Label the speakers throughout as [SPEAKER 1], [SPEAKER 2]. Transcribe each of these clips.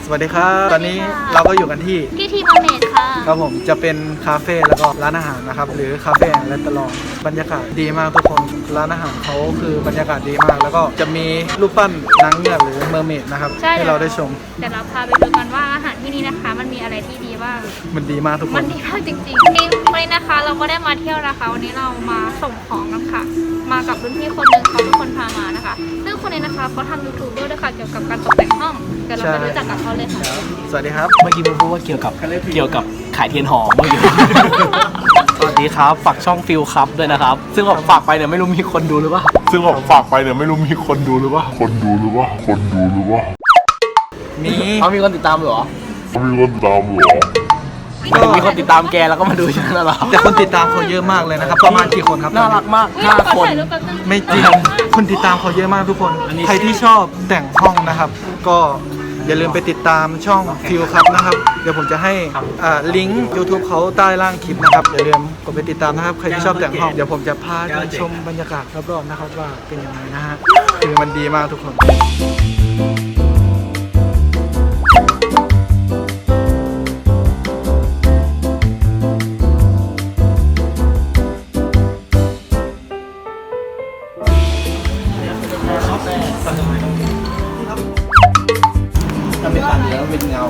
[SPEAKER 1] สวัสดีครับตอนนี้เราก็อยู่กันที่
[SPEAKER 2] ทีมอเมดค่ะ
[SPEAKER 1] ครับผมจะเป็นคาเฟ่แล้วก็ร้านอาหารนะครับหรือคาเฟ่และตลอดบรรยากาศดีมากทุกคนร้านอาหารเขาคือบรรยากาศดีมากแล้วก็จะมีรูปปั้นนางเงือกหรือเมอร์เมดนะครับให้เราได้ชม
[SPEAKER 2] เดี๋ยวเราพาไปดูกันว่าอาหารที่นี่นะคะมันมีอะไรที่ดีบ้าง
[SPEAKER 1] มันดีมากทุกคน
[SPEAKER 2] มันดีมากจริงๆวันนี้นะคะเราก็ได้มาเที่ยวนะคะวันนี้เรามาส่งของกันค่ะมากับรุ่นพี่คนหนึ่งเขาเป็นคนพามานะคะซึ่งคนนี้นะคะเขาทำ YouTube ด้วยค่ะเกี่ยวกับการตกแต่งห้องเดี๋ยวเราไปรู้จักกับเขาเลยค่ะ
[SPEAKER 1] สวัสดีครับ
[SPEAKER 3] เมื่อกี้ผมพูดว่าเกี่ยวกับขายเทียนหอมเมื่อกี้ สวัสดีครับฝากช่องฟิลครับด้วยนะครับซึ่งผมฝากไปเนี่ยไม่รู้มีคนดูหรือเปล่า
[SPEAKER 1] มี
[SPEAKER 3] เขามีคนติดตามเหรอมีคนติดตามแกแล้วก็มาดูฉันแล้วเหรอ
[SPEAKER 1] แต่คนติดตามเขาเยอะมากเลยนะครับประมาณกี่คนครับ
[SPEAKER 3] น่ารักมาก5 คน
[SPEAKER 1] ไม่จริงคนติดตามเขาเยอะมากทุกคนใครที่ชอบแต่งห้องนะครับก็อย่าลืมไปติดตามช่องฟิลครับนะครับเดี๋ยวผมจะให้ลิงก์ YouTube เขาใต้ล่างคลิปนะครับอย่าลืมกดไปติดตามนะครับใครที่ชอบแต่งห้องเดี๋ยวผมจะพาไปชมบรรยากาศรอบๆนะครับว่าเป็นยังไงนะฮะคือมันดีมากทุกคน
[SPEAKER 3] ทำเป็นปั่นแล้วเป็นเงา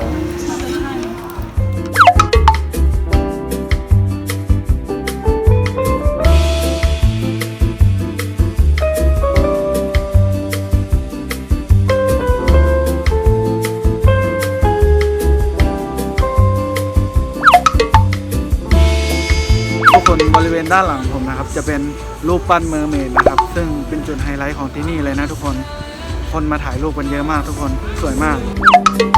[SPEAKER 1] ทุกคนบริเวณด้านหลังผมนะครับจะเป็นรูปปั้นเมอร์เมดนะครับซึ่งเป็นจุดไฮไลท์ของที่นี่เลยนะทุกคนมาถ่ายรูปกันเยอะมากทุกคนสวยมาก